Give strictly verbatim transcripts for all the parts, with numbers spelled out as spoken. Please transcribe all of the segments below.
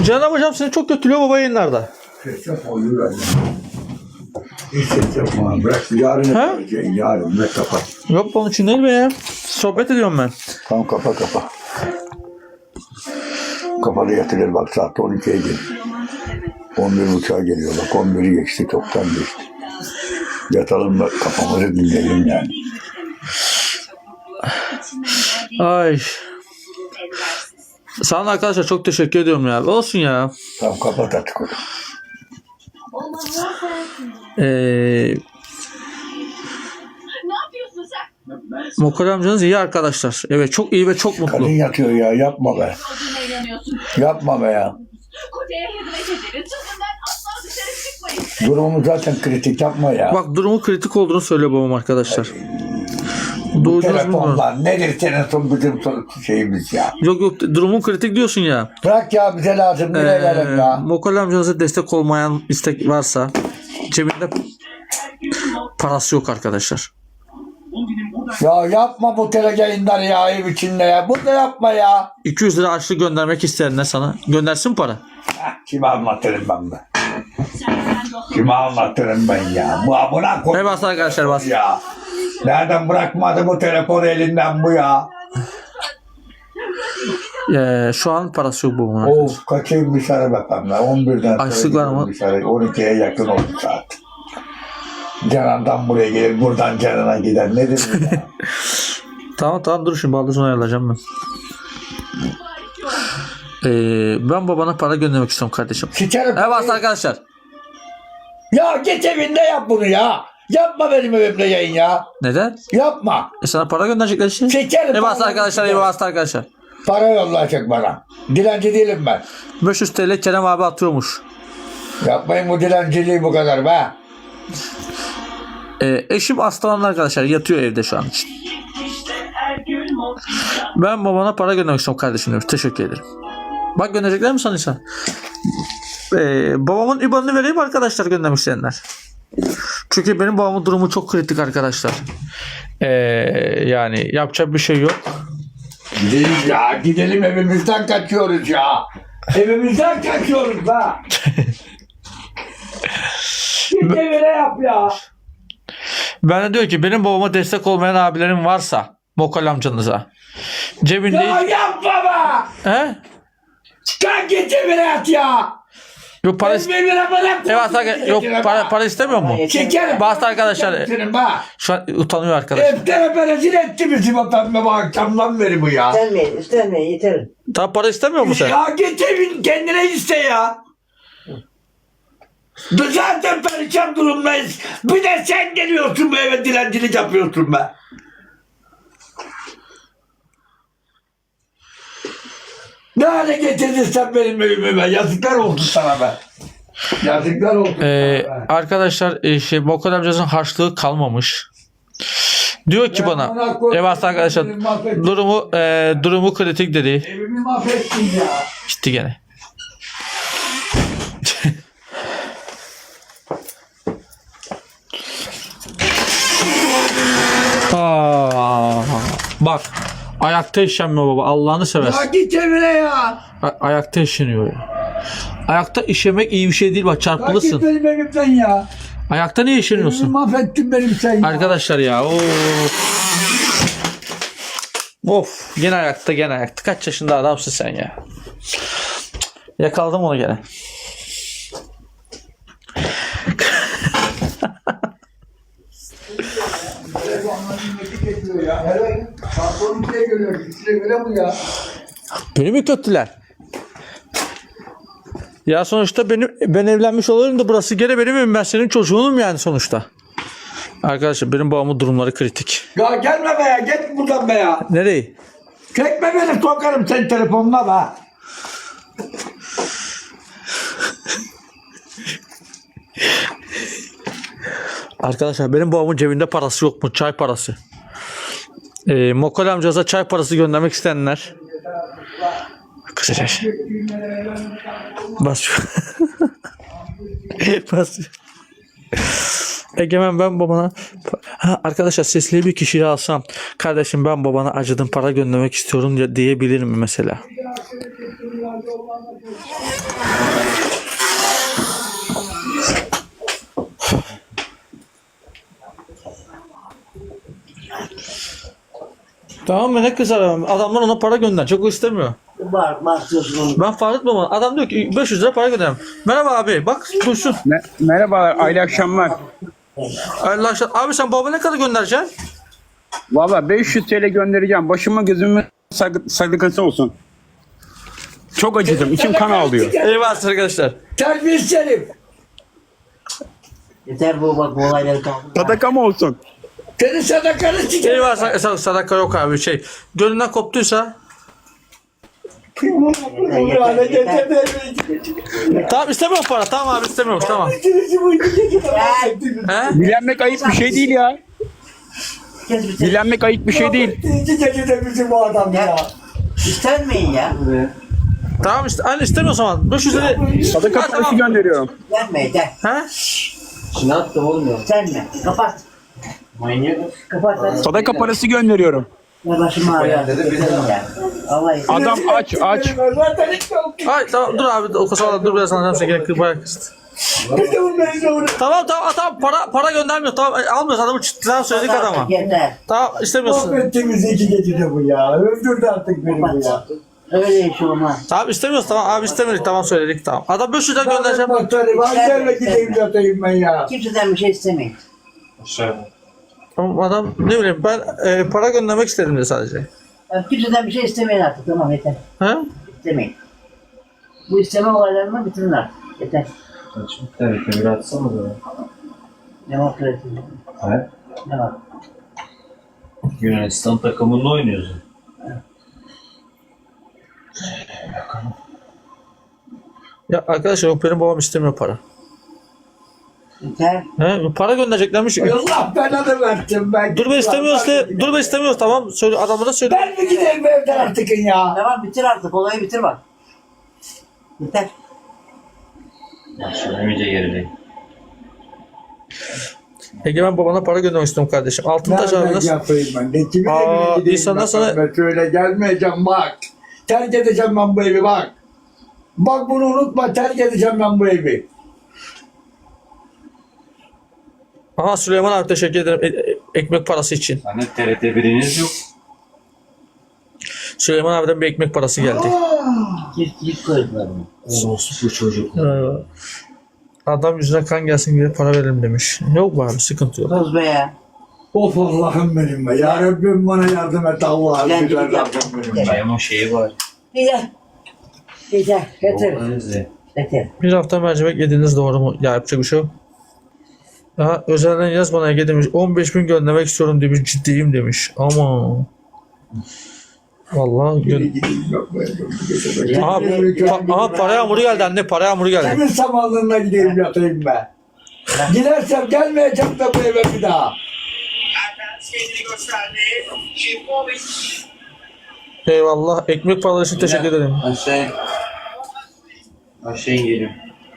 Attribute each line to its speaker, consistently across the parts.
Speaker 1: Canan hocam seni çok kötülüyor baba yayınlarda.
Speaker 2: Ses yapma, yürü anne. Hiç ses yapma. Bırak yarın
Speaker 1: Ha?
Speaker 2: yapacaksın. Yarın ne kapat.
Speaker 1: Yok onun için değil be ya. Sohbet ediyorum ben.
Speaker 2: Tamam kapa kapa. Kapalı yatırır bak saat on ikiye geliyor. on bir buçuğa geliyor bak on biri geçti çoktan geçti. Yatalım da kafamızı dinleyelim yani.
Speaker 1: Ay. Sana arkadaşlar çok teşekkür ediyorum ya. Olsun ya.
Speaker 2: Tamam kapat artık onu.
Speaker 1: Eee Mokol amcanız iyi arkadaşlar. Evet çok iyi ve çok mutlu.
Speaker 2: Kadın yatıyor ya yapma be. Yapma be ya. Durumumuz zaten kritik yapma ya.
Speaker 1: Bak durumu kritik olduğunu söylüyor babam arkadaşlar.
Speaker 2: Bu
Speaker 1: Duydunuz mu?
Speaker 2: telefonlar nedir senin son bizim son şeyimiz ya.
Speaker 1: Yok yok durumun kritik diyorsun ya.
Speaker 2: Bırak ya bize lazım bir
Speaker 1: Ee,
Speaker 2: verelim ya.
Speaker 1: Mokol amcanıza destek olmayan istek varsa cebinde parası yok arkadaşlar.
Speaker 2: Ya yapma bu tele yayınları ya ev içinde ya. Bunu da yapma ya.
Speaker 1: iki yüz lira açlık göndermek isteyenler sana göndersin para.
Speaker 2: Heh, kime anlatırım ben be? Kime anlatırım ben ya? Bu buna koy.
Speaker 1: Hey bas arkadaşlar bas.
Speaker 2: Ya. Nereden bırakmadı bu telefonu elinden bu ya?
Speaker 1: Ee, şu an parası yok babamın arkadaşlar.
Speaker 2: Of kaçayım dışarı bakalım ya. on birden
Speaker 1: Açlık var mı?
Speaker 2: dışarı. on ikiye yakın oldu saat. Canan'dan buraya gelir, buradan Canan'a gider. Nedir bu ya?
Speaker 1: Tamam tamam dur şimdi baldızını ayarlayacağım ben. Ee, ben babana para göndermek istiyorum kardeşim.
Speaker 2: Sikerim.
Speaker 1: Evet arkadaşlar.
Speaker 2: Ya git evinde yap bunu ya. Yapma benim evimde yayın ya.
Speaker 1: Neden?
Speaker 2: Yapma.
Speaker 1: E sana para gönderecekler işte.
Speaker 2: Sikerim.
Speaker 1: Evet
Speaker 2: para-
Speaker 1: arkadaşlar evet arkadaşlar.
Speaker 2: Para yollayacak bana. Dilenci değilim ben.
Speaker 1: beş yüz TL Kerem abi atıyormuş.
Speaker 2: Yapmayın bu dilenciliği bu kadar be.
Speaker 1: Ee, eşim hastalandı arkadaşlar. Yatıyor evde şu an için. Ben babana para göndermek istiyorum kardeşim demiş. Teşekkür ederim. Bak gönderecekler mi sanıyorsan? Ee, babamın I B A N'ını vereyim arkadaşlar göndermek isteyenler. Çünkü benim babamın durumu çok kritik arkadaşlar. Ee, yani yapacak bir şey yok.
Speaker 2: Gidelim ya. Gidelim evimizden kaçıyoruz ya. Evimizden kaçıyoruz la. Git evine yap ya.
Speaker 1: Ben de diyor ki benim babama destek olmayan abilerim varsa Mokol amcanıza cebinde
Speaker 2: Ya yapma be.
Speaker 1: he?
Speaker 2: Kalk git evine yat ya.
Speaker 1: Yok para
Speaker 2: Benim evine bırak.
Speaker 1: evet arkadaşlar yok para para istemiyor mu?
Speaker 2: Şekerim.
Speaker 1: Bastı arkadaşlar.
Speaker 2: Senin be.
Speaker 1: Şu an utanıyor arkadaşlar.
Speaker 2: Evde rezil etti bizi vatanına bu akşamdan beri bu ya.
Speaker 3: İstenmeyin, istenmeyin, yeter.
Speaker 1: Daha para istemiyor mu sen?
Speaker 2: Ya git evin kendine iste ya. Biz zaten perişan durumdayız. Bir de sen geliyorsun bu eve dilencilik yapıyorsun be. Ne hale getirdin sen benim evime be? Yazıklar olsun sana be. Yazıklar olsun
Speaker 1: Ee,
Speaker 2: sana be.
Speaker 1: arkadaşlar e, şey Mokol amcanızın harçlığı kalmamış. Diyor ki
Speaker 2: Ben
Speaker 1: bana
Speaker 2: ona koydum,
Speaker 1: evet arkadaşlar
Speaker 2: evimi mahvettin.
Speaker 1: durumu e, durumu kritik dedi.
Speaker 2: Evimi mahvettin ya.
Speaker 1: Gitti gene. Aa, bak ayakta işemiyor baba Allah'ını
Speaker 2: Ya
Speaker 1: seversen.
Speaker 2: git evine ya.
Speaker 1: A- ayakta işeniyor ya. Ayakta işemek iyi bir şey değil bak
Speaker 2: Ya git
Speaker 1: çarpılırsın.
Speaker 2: benim evimden ya.
Speaker 1: Ayakta niye
Speaker 2: Evimi
Speaker 1: işeniyorsun?
Speaker 2: mahvettin benim sen ya.
Speaker 1: Arkadaşlar ya of. Of gene ayakta gene ayakta. Kaç yaşında adamsın sen ya. Yakaladım onu gene.
Speaker 2: Ya. Hele patron ikiye geliyor. İkisine göre bu ya.
Speaker 1: Beni mi kötüler? Ya sonuçta benim ben evlenmiş olurum da burası gene benim evim. Ben senin çocuğunum yani sonuçta. Arkadaşlar benim babamın durumları kritik.
Speaker 2: Ya gelme be ya. Git buradan be ya.
Speaker 1: Nereye?
Speaker 2: Çekme beni sokarım senin telefonuna be.
Speaker 1: Arkadaşlar benim babamın cebinde parası yok mu? Çay parası. Ee, Mokol amcanıza çay parası göndermek isteyenler. Kısaca. Bas şu. Bas. Egemen ben babana ha, arkadaşlar sesli bir kişiyi alsam kardeşim ben babana acıdım para göndermek istiyorum diye diyebilir mi mesela? Tamam mı, ne kızar adamlar ona para gönder. Çok istemiyor.
Speaker 3: Var, var diyorsun onu.
Speaker 1: Ben fark etmem ona. Adam diyor ki beş yüz lira para gönderim. Merhaba abi bak duysun.
Speaker 4: Me- Merhabalar, hayırlı akşamlar.
Speaker 1: Allah aşkına. Abi sen baba ne kadar göndereceksin?
Speaker 4: Valla beş yüz T L göndereceğim. Başıma gözümün sargı- sargısı olsun. Çok acıdım. İçim kan ağlıyor.
Speaker 1: Eyvallah arkadaşlar.
Speaker 2: Terbiyesiz herif.
Speaker 3: Yeter bu bak bu olayları kaldı.
Speaker 4: Sadaka mı olsun?
Speaker 2: Senin sadakanı sikerim.
Speaker 1: Eyvallah sadaka, sadaka yok abi şey. Gönlünden koptuysa.
Speaker 3: Yeter, yeter, yeter.
Speaker 1: Tamam istemiyorum para. Tamam abi istemiyorum tamam. He?
Speaker 4: Dilenmek ayıp bir şey değil ya.
Speaker 3: Kes bir şey.
Speaker 4: Dilenmek ayıp bir şey değil.
Speaker 2: İkinci gecede bizim bu adam ya.
Speaker 3: İstenmeyin ya.
Speaker 1: Tamam işte anne istemiyorsan zaman. beş yüz lira.
Speaker 4: Sadaka
Speaker 1: Ha,
Speaker 4: parası
Speaker 1: tamam.
Speaker 4: gönderiyorum.
Speaker 3: İstenme yeter.
Speaker 1: He?
Speaker 3: İstenme. Kapat. Manyak. Kapat hadi.
Speaker 4: Sadaka parası gönderiyorum.
Speaker 3: Ya başım ağrıyor. İsterim ya. Vallahi.
Speaker 4: Adam aç aç.
Speaker 2: Zaten hiç yok.
Speaker 1: Ay tamam dur abi o kasada dur biraz anlayacağım seni gene bayağı kıstı. Tamam tamam tamam para para göndermiyor tamam e, almıyoruz adamı çıttıran söyledik adama.
Speaker 3: Yeter.
Speaker 1: Tamam istemiyorsun.
Speaker 2: Mahvettiğimiz iki gecede bu ya. Öldürdü artık beni bu ya.
Speaker 3: Öyle iş olmaz.
Speaker 1: Tamam istemiyoruz tamam abi istemiyoruz tamam söyledik tamam. Adam beş yüz lira göndereceğim.
Speaker 2: Batarım. Annemle gideyim yatayım ben ya.
Speaker 3: Kimseden bir şey istemeyin.
Speaker 1: Tamam adam ne bileyim ben e, para göndermek istedim de sadece.
Speaker 3: Ya kimseden bir şey istemeyin artık. Tamam yeter.
Speaker 1: He?
Speaker 3: İstemeyin. Bu isteme olaylarını bitirin artık. Yeter.
Speaker 5: Evet, ömür atsana da.
Speaker 3: Demokrasi.
Speaker 5: Evet.
Speaker 3: Ne var?
Speaker 5: Yunanistan takımında oynuyorsun.
Speaker 1: Ya arkadaşlar yok benim babam istemiyor para.
Speaker 3: Yeter.
Speaker 1: He? Para göndereceklermiş.
Speaker 2: Allah belanı versin ben.
Speaker 1: Dur be istemiyoruz de dur be istemiyoruz tamam söyle adamlara söyle.
Speaker 2: Ben mi gideyim evden artık ya?
Speaker 3: Tamam bitir artık. Olayı bitir bak. Yeter.
Speaker 5: Ya söylemeyince gerideyim.
Speaker 1: Egemen babana para göndermek istiyorum kardeşim. Altıntaş abi
Speaker 2: Nereden
Speaker 1: nasıl?
Speaker 2: yapayım ben? Ne kimin
Speaker 1: Aa,
Speaker 2: evine gideyim
Speaker 1: insanlar
Speaker 2: ben?
Speaker 1: sana-
Speaker 2: Ben şöyle gelmeyeceğim bak. Terk edeceğim ben bu evi bak. Bak bunu unutma terk edeceğim ben bu evi.
Speaker 1: Aha Süleyman abi teşekkür ederim e- e- ekmek parası için.
Speaker 5: Hani T R T biriniz yok.
Speaker 1: Süleyman abiden bir ekmek parası geldi.
Speaker 3: Çift çift koydular bunu.
Speaker 5: Orospu çocuk.
Speaker 1: Ee, adam yüzüne kan gelsin diye para verelim demiş. Yok be abi sıkıntı yok.
Speaker 3: Kız be ya.
Speaker 2: Of Allah'ım benim be. Ya Rabbim bana yardım et Allah'ım.
Speaker 3: Gel,
Speaker 2: Güzel
Speaker 3: gel.
Speaker 2: Rabbim benim be.
Speaker 5: Benim o şeyi var.
Speaker 3: Yeter. Yeter. Yeter.
Speaker 5: Organize.
Speaker 3: Yeter.
Speaker 1: Bir hafta mercimek yediniz doğru mu? Ya yapacak bir şey yok. Aha, özelden yaz bana Ege demiş. on beş bin göndermek istiyorum demiş. Ciddiyim demiş. Ama vallahi
Speaker 2: Geri
Speaker 1: gö-
Speaker 2: gideyim yok bu evde bu gece be.
Speaker 1: aha, pa- aha para yağmuru geldi anne para yağmuru geldi.
Speaker 2: Kimin samanlığına gideyim yatayım be. Gidersem gelmeyeceğim de bu eve bir daha.
Speaker 6: kendini gösterdi. Şivkovic.
Speaker 1: Eyvallah ekmek paraları için teşekkür ederim.
Speaker 5: Aşağı. Aşağı geliyorum.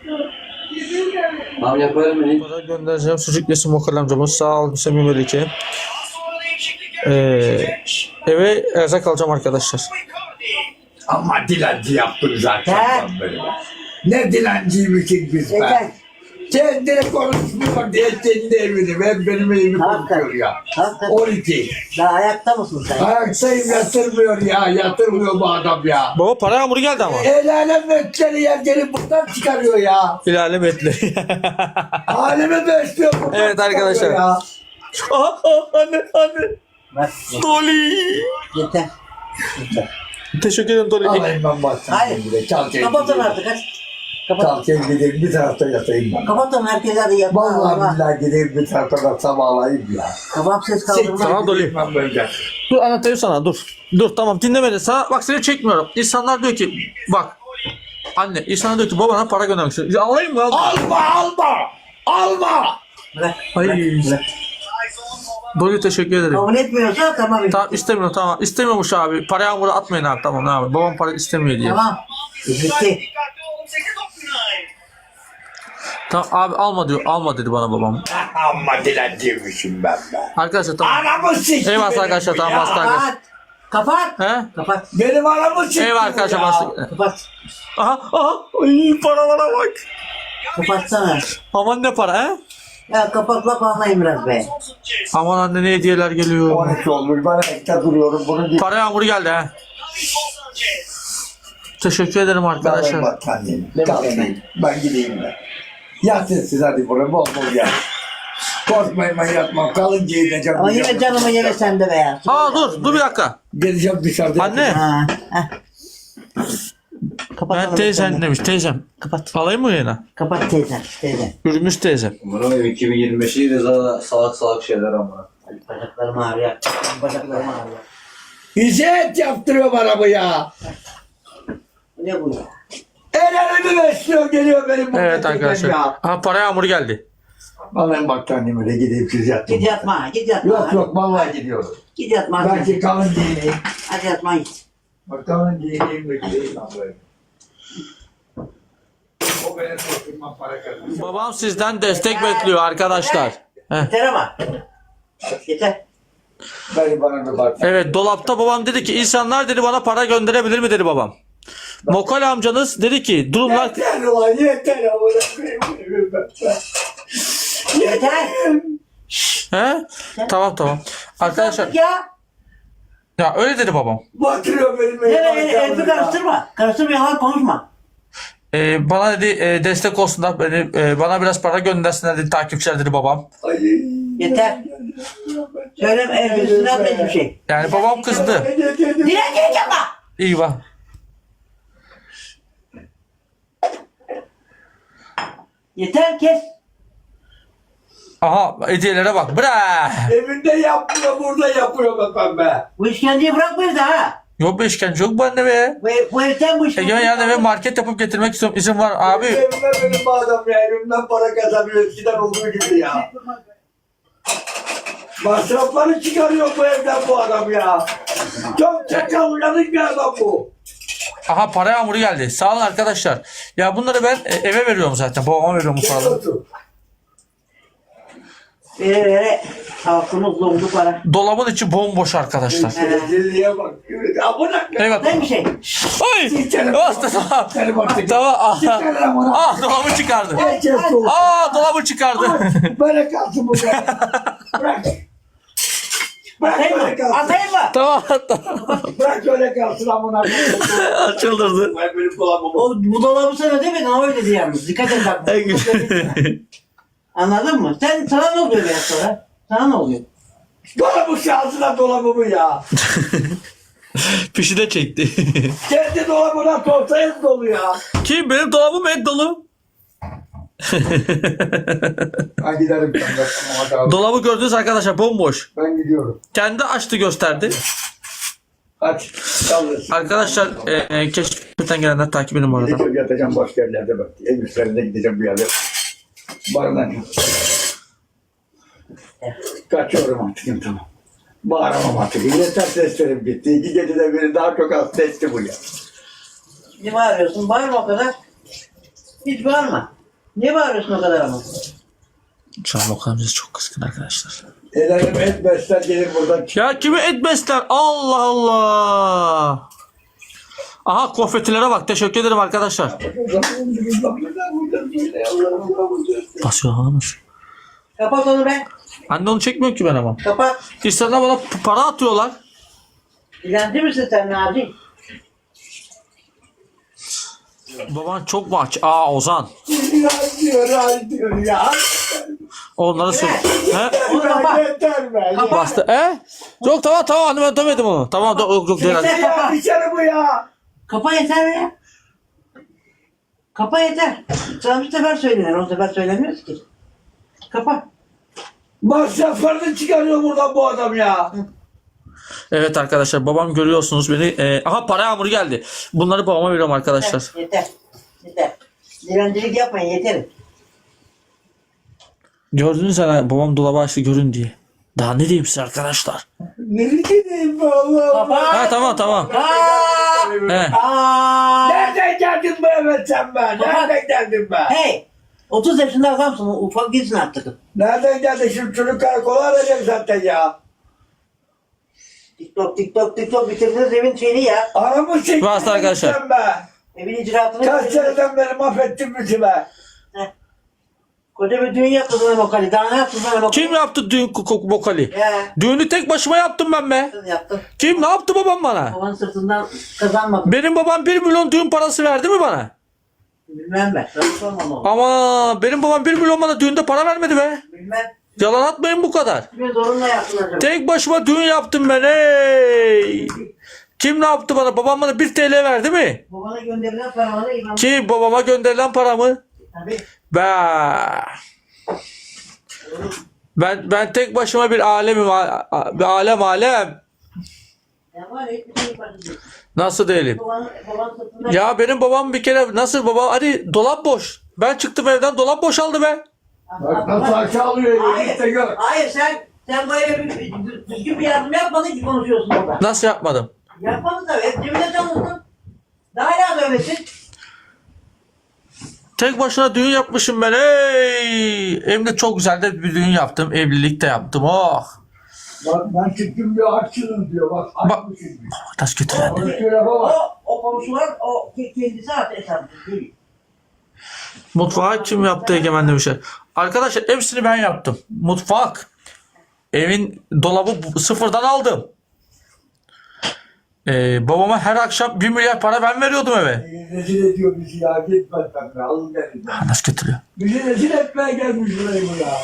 Speaker 5: Abi yaparım beni.
Speaker 1: Para göndereceğim. Sucuk yesin Mokal amcamız. Sağ ol Semih Melike.
Speaker 6: Sonra değişiklik
Speaker 1: Ee,
Speaker 6: yapacak.
Speaker 1: eve erzak alacağım arkadaşlar.
Speaker 6: Icardi.
Speaker 2: Ama dilenci yaptın zaten
Speaker 3: Ha?
Speaker 2: sen beni. Ne dilenciymişik biz
Speaker 3: Yeter.
Speaker 2: be. Sen direkt konuşmuyor diye kendi evini. Ben benim evimi
Speaker 3: Hakikaten.
Speaker 2: konuşuyor ya.
Speaker 3: Hakikaten.
Speaker 2: on iki.
Speaker 3: Daha ayakta mısın sen?
Speaker 2: Ayaktayım yatırmıyor ya. Yatırmıyor bu adam ya.
Speaker 1: Baba para yağmuru geldi ama.
Speaker 2: El alem metleri yer gelip buradan çıkarıyor ya.
Speaker 1: İlale metli.
Speaker 2: Alemi besliyor buradan
Speaker 1: Evet arkadaşlar.
Speaker 2: çıkarıyor ya.
Speaker 1: Aha, aha, anne anne.
Speaker 3: Bak.
Speaker 1: Dolly.
Speaker 3: Yeter. Yeter.
Speaker 1: Teşekkür ederim Dolly.
Speaker 2: Alayım ben baksana.
Speaker 3: Hayır.
Speaker 2: Bir de Kalkayım
Speaker 3: Kapatın
Speaker 2: gideyim.
Speaker 3: artık hadi. Kapat.
Speaker 2: Kalkayım gideyim bir tarafta yatayım ben.
Speaker 3: Kapatın herkes hadi yat.
Speaker 2: Vallahi billahi gideyim bir tarafta da sabahlayayım ya.
Speaker 3: Kafam ses kaldırma.
Speaker 1: Tamam, Dolly.
Speaker 2: Ben böyle.
Speaker 1: Dur anlatayım sana dur. Dur tamam dinlemedi. Sana bak seni çekmiyorum. İnsanlar diyor ki bak. Anne insanlar diyor ki babana para göndermek istiyor. Ya alayım mı? Al.
Speaker 2: Alma alma! Alma!
Speaker 3: Bırak.
Speaker 1: Ay.
Speaker 3: Bırak. Bırak.
Speaker 1: Dolly teşekkür ederim.
Speaker 3: Kabul etmiyorsa tamam.
Speaker 1: Tamam istemiyorum tamam. İstemiyormuş abi. Para yağmuru atmayın abi tamam abi. Babam para istemiyor diye.
Speaker 3: Tamam. Bitti.
Speaker 6: Dikkatli olun. sekiz dokuz dokuz.
Speaker 1: Tamam abi alma diyor. Alma dedi bana babam.
Speaker 2: Amma dilenciymişim ben be.
Speaker 1: Arkadaşlar tamam.
Speaker 2: Anamı sikti
Speaker 1: Eyvallah
Speaker 2: benim
Speaker 1: arkadaşlar
Speaker 2: bu
Speaker 1: tamam
Speaker 2: ya.
Speaker 1: hasta arkadaşlar.
Speaker 3: Kapat. Kapat.
Speaker 1: He?
Speaker 3: Kapat.
Speaker 2: Benim aramı çıktı.
Speaker 1: Evet arkadaşlar
Speaker 2: ya.
Speaker 1: başladık.
Speaker 3: Kapat.
Speaker 1: Aha aha. Ay, paralara bak.
Speaker 3: Kapatsana.
Speaker 1: Aman ne para he?
Speaker 3: Ya kapatla anlayayım biraz be.
Speaker 1: Aman anne ne hediyeler geliyor.
Speaker 2: on üç olmuş. Ben ekte duruyorum. Bunu
Speaker 1: Para yağmuru geldi he. Teşekkür ederim
Speaker 2: Arkadaşlar.
Speaker 1: arkadaşlar.
Speaker 2: Battaniyemi. Kalkayım. Ben gideyim ben. Yatın siz hadi buraya. Bol bol yat. Korkmayın ben yatmam. Kalın giyineceğim.
Speaker 3: Ama yine canımı yeme sen de be ya.
Speaker 1: Aa dur dur bir dakika.
Speaker 2: Geleceğim dışarıda.
Speaker 1: Anne
Speaker 3: Ha, heh. Kapat
Speaker 1: ben
Speaker 3: onu
Speaker 1: teyzen
Speaker 3: sen de.
Speaker 1: demiş teyzem.
Speaker 3: Kapat.
Speaker 1: Alayım mı yine?
Speaker 3: Kapat teyzen. Teyzen.
Speaker 1: Yürümüş teyzem.
Speaker 5: Umarım iki bin yirmi beşi de zaten salak salak şeyler ama.
Speaker 3: Bacaklarım ağrıyor. Bacaklarım ağrıyor.
Speaker 2: İzzet yaptırıyor bana bu ya.
Speaker 3: Ne bu ya?
Speaker 2: El elimi besliyor geliyor benim bu
Speaker 1: Evet
Speaker 2: metreden
Speaker 1: arkadaşlar.
Speaker 2: ya.
Speaker 1: Aha para yağmuru geldi.
Speaker 2: Alayım battaniyemi de gideyim siz yatın.
Speaker 3: Git yatma. Git yatma.
Speaker 2: Yok yok vallahi gidiyorum.
Speaker 3: Git yatma.
Speaker 2: Belki kalın giyineyim.
Speaker 3: Hadi yatma git.
Speaker 2: Bak kalın giyineyim de gideyim lan böyle. O benim oturma para kazanıyor.
Speaker 1: Babam sizden destek bekliyor arkadaşlar. Heh.
Speaker 3: Yeter ama. Yeter.
Speaker 2: Beni bana bir bak.
Speaker 1: Evet dolapta babam dedi ki insanlar dedi bana para gönderebilir mi dedi babam. Mokal amcanız dedi ki durumlar...
Speaker 2: Yeter ulan yeter ama
Speaker 3: Yeter.
Speaker 1: He? Tamam tamam. Arkadaşlar
Speaker 3: Ya.
Speaker 1: ya öyle dedi babam.
Speaker 2: batırıyor benim
Speaker 3: Evet,
Speaker 2: elimi.
Speaker 3: evet, elimi karıştırma. Karıştırma, yalan konuşma.
Speaker 1: Ee, bana dedi e, destek olsunlar beni e, bana biraz para göndersinler dedi takipçiler dedi babam.
Speaker 2: Ay.
Speaker 3: Yeter. Söyleme, elbisini atma hiçbir şey.
Speaker 1: Yani babam kızdı.
Speaker 3: Dilencilik yapma.
Speaker 1: İyi bak.
Speaker 3: Yeter, kes.
Speaker 1: Aha hediyelere bak. Bra.
Speaker 2: Evinde yapmıyor burada yapıyor be pembe.
Speaker 3: Bu işkenceyi bırakma evde ha.
Speaker 1: Yok be işkence yok bu anne be.
Speaker 3: Bu, ev- bu evden bu işkenceyi...
Speaker 1: Egemen yarın eve market yapıp getirmek istiyorum. İzin var abi.
Speaker 2: Evime benim bu adam ya. Evimden para kazanıyor. Eskiden olduğu gibi ya. Masrafları çıkarıyor bu evden bu adam ya. Çok çakal uyanık bir adam bu.
Speaker 1: Aha para yağmuru geldi. Sağ olun arkadaşlar. Ya bunları ben e, eve veriyorum zaten. Babama veriyorum bu
Speaker 2: Gel
Speaker 1: paraları.
Speaker 2: otur.
Speaker 3: Vere vere halkımız dondu para.
Speaker 1: Dolabın içi bomboş arkadaşlar.
Speaker 2: Rezilliğe bak. Amına
Speaker 1: Evet.
Speaker 3: Ne bir şey?
Speaker 1: Ay!
Speaker 2: Sikerim.
Speaker 1: Bastı tamam.
Speaker 2: Sikerim artık.
Speaker 1: Tamam. Ah,
Speaker 2: Sikerim amına.
Speaker 1: ah dolabı çıkardı.
Speaker 2: Herkes soğuk.
Speaker 1: Aa dolabı çıkardı.
Speaker 2: Böyle kalsın bu be. Bırak. Bırak
Speaker 3: Atayım
Speaker 2: böyle
Speaker 3: mı?
Speaker 2: kalsın.
Speaker 3: Atayım mı?
Speaker 1: tamam tamam.
Speaker 2: Bırak öyle kalsın amına.
Speaker 1: Çıldırdı.
Speaker 2: Ben benim kulağımı
Speaker 3: O, bu dolabı sana demedin ama öyle dedi yalnız. Dikkat et bak. Anladın mı? Sen, sana ne oluyor biraz sonra? Sana ne oluyor?
Speaker 2: Dolabı şansına dolabımı ya.
Speaker 1: Fişi de çekti.
Speaker 2: Kendi dolabına sorsayız dolu ya.
Speaker 1: Kim? Benim dolabım et dolu.
Speaker 2: Ben giderim. Ben, tamam,
Speaker 1: Dolabı gördünüz arkadaşlar bomboş.
Speaker 2: ben gidiyorum.
Speaker 1: Kendi açtı gösterdi.
Speaker 2: Hadi. Yalnız.
Speaker 1: Arkadaşlar e, e, keşfetten gelenler takip edin bu arada.
Speaker 2: Gideceğim yatacağım başka yerlerde bak. Ev üstlerinde gideceğim bir yerde. Barınacağım. Kaçıyorum artık tamam. Bağıramam artık. Yeter seslerim gitti. İki gecede biri daha çok az sesli bu ya.
Speaker 3: Niye bağırıyorsun? Bağırma o kadar. Hiç bağırma. Niye bağırıyorsun o kadar ama?
Speaker 1: Şu an Okan amcası çok kızgın arkadaşlar.
Speaker 2: El alem et besler gelir buradan.
Speaker 1: Ya kimi et besler? Allah Allah. Aha konfetilere bak. Teşekkür ederim arkadaşlar. Basıyor hanımır.
Speaker 3: Kapat onu be.
Speaker 1: Anne onu çekmiyor ki ben ama.
Speaker 3: Kapat.
Speaker 1: İnsanlar bana p- para atıyorlar.
Speaker 3: Dilenci misin sen Naci?
Speaker 1: Baban çok mu aç? Aa Ozan.
Speaker 2: Ya diyor, ya diyor ya.
Speaker 1: Onları sor. He?
Speaker 3: Onu kapat.
Speaker 2: Yeter be.
Speaker 3: Kapat.
Speaker 1: Bastı. E? Yok tamam tamam anne ben demedim onu. Tamam do- yok yok değil.
Speaker 3: Yeter.
Speaker 2: Ya içeri bu ya.
Speaker 3: Kapa yeter ya. Kapa yeter. Sana bir sefer söylenir. O sefer söylemiyoruz ki. Kapa.
Speaker 2: Masraflarını çıkarıyor buradan bu adam ya.
Speaker 1: Evet arkadaşlar babam görüyorsunuz beni. E, aha para yağmuru geldi. Bunları babama veriyorum arkadaşlar.
Speaker 3: Yeter. Yeter. Dilencilik yapmayın yeter.
Speaker 1: Gördünüz herhalde babam dolabı açtı görün diye. Daha ne diyeyim size arkadaşlar.
Speaker 2: Nereye gideyim be Allah'ım?
Speaker 3: Kapa.
Speaker 1: Ha tamam tamam.
Speaker 3: Aa!
Speaker 1: He.
Speaker 3: Aa!
Speaker 2: Nereden geldin be evet sen be? Nereden geldin be?
Speaker 3: Hey! otuz yaşında adamsın. Ufak değilsin artık.
Speaker 2: Nereden geldin? Şimdi çocuk karakola arayacak zaten ya.
Speaker 3: TikTok, TikTok, TikTok bitirdiniz evin şeyini ya.
Speaker 2: Anamı çektin
Speaker 1: Bastı arkadaşlar.
Speaker 2: sen be.
Speaker 3: Evin icraatını
Speaker 2: Kaç
Speaker 3: bitirdiniz.
Speaker 2: seneden beri mahvettin bizi be.
Speaker 3: Koca bir düğün yaptı sana Mokali. Daha ne yaptın sana Mokali?
Speaker 1: Kim yaptı düğün kok vokali?
Speaker 3: Ya.
Speaker 1: Düğünü tek başıma yaptım ben be.
Speaker 3: Sen yaptın.
Speaker 1: Kim ne yaptı babam bana?
Speaker 3: Babanın sırtından kazanmadın.
Speaker 1: Benim babam bir milyon düğün parası verdi mi bana?
Speaker 3: Bilmem ben. Sana sormam o.
Speaker 1: Ama benim babam bir milyon bana düğünde para vermedi be.
Speaker 3: Bilmem.
Speaker 1: Yalan atmayın bu kadar.
Speaker 3: Kimin zorunla yaptın acaba?
Speaker 1: Tek başıma düğün yaptım ben ey. Kim ne yaptı bana? Babam bana bir T L verdi mi?
Speaker 3: Babana gönderilen paraları imam.
Speaker 1: Ki babama gönderilen paramı?
Speaker 3: Tabii.
Speaker 1: Ben ben ben tek başıma bir alemim, a- a- bir alem alem.
Speaker 3: Ya var ya hiçbir şey yaparsın diyor.
Speaker 1: Nasıl değilim?
Speaker 3: Babanın, babanın sırtından.
Speaker 1: Ya benim babam bir kere nasıl baba hadi dolap boş. Ben çıktım evden dolap boşaldı be.
Speaker 2: Bak nasıl aşağı alıyor.
Speaker 3: Hayır.
Speaker 2: Git de gör.
Speaker 3: Hayır sen sen böyle bir, bir düzgün bir yardım yapmadın ki konuşuyorsun orada.
Speaker 1: Nasıl yapmadım?
Speaker 3: Yapmadın tabii. Hep cebine çalıştın. Daha hala böylesin.
Speaker 1: Tek başına düğün yapmışım ben ey. Hem de çok güzel de bir düğün yaptım. Evlilik de yaptım. Oh.
Speaker 2: Bak ben çıktım bir açsınım diyor. Bak
Speaker 1: Bak.
Speaker 2: açmışım diyor.
Speaker 1: Taş getiren.
Speaker 2: Onu şöyle
Speaker 3: O,
Speaker 2: bak.
Speaker 3: o komşular o ke- kendisi artık hesaplı değil.
Speaker 1: Mutfağı kim yaptı Egemen demişler. Arkadaşlar hepsini ben yaptım. Mutfak. Evin dolabı bu- sıfırdan aldım. Ee, babama her akşam bir milyar para ben veriyordum eve.
Speaker 2: Rezil ediyor bizi ya. Gitmez ben be. Alın gelin.
Speaker 1: Ha, nasıl getiriyor?
Speaker 2: Bizi rezil etmeye gelmiş buraya bu ya.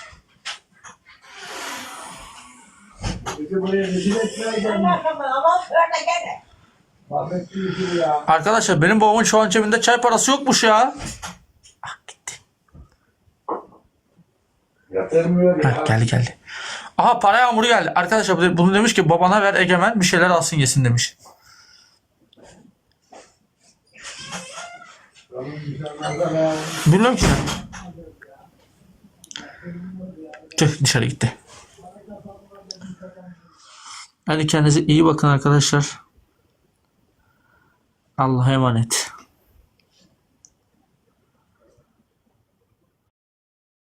Speaker 2: Bizi buraya rezil etmeye gelmiş.
Speaker 3: Ama öyle gene.
Speaker 2: Mahvetti bizi ya.
Speaker 1: Arkadaşlar benim babamın şu an cebinde çay parası yokmuş ya. Ah gitti.
Speaker 2: Yatırmıyor
Speaker 1: Ha,
Speaker 2: ya.
Speaker 1: geldi geldi. Aha para yağmuru geldi. Arkadaşlar bunu demiş ki babana ver Egemen bir şeyler alsın yesin demiş. Bilmiyorum ki. Tüh dışarı gitti. Hadi kendinize iyi bakın arkadaşlar. Allah'a emanet.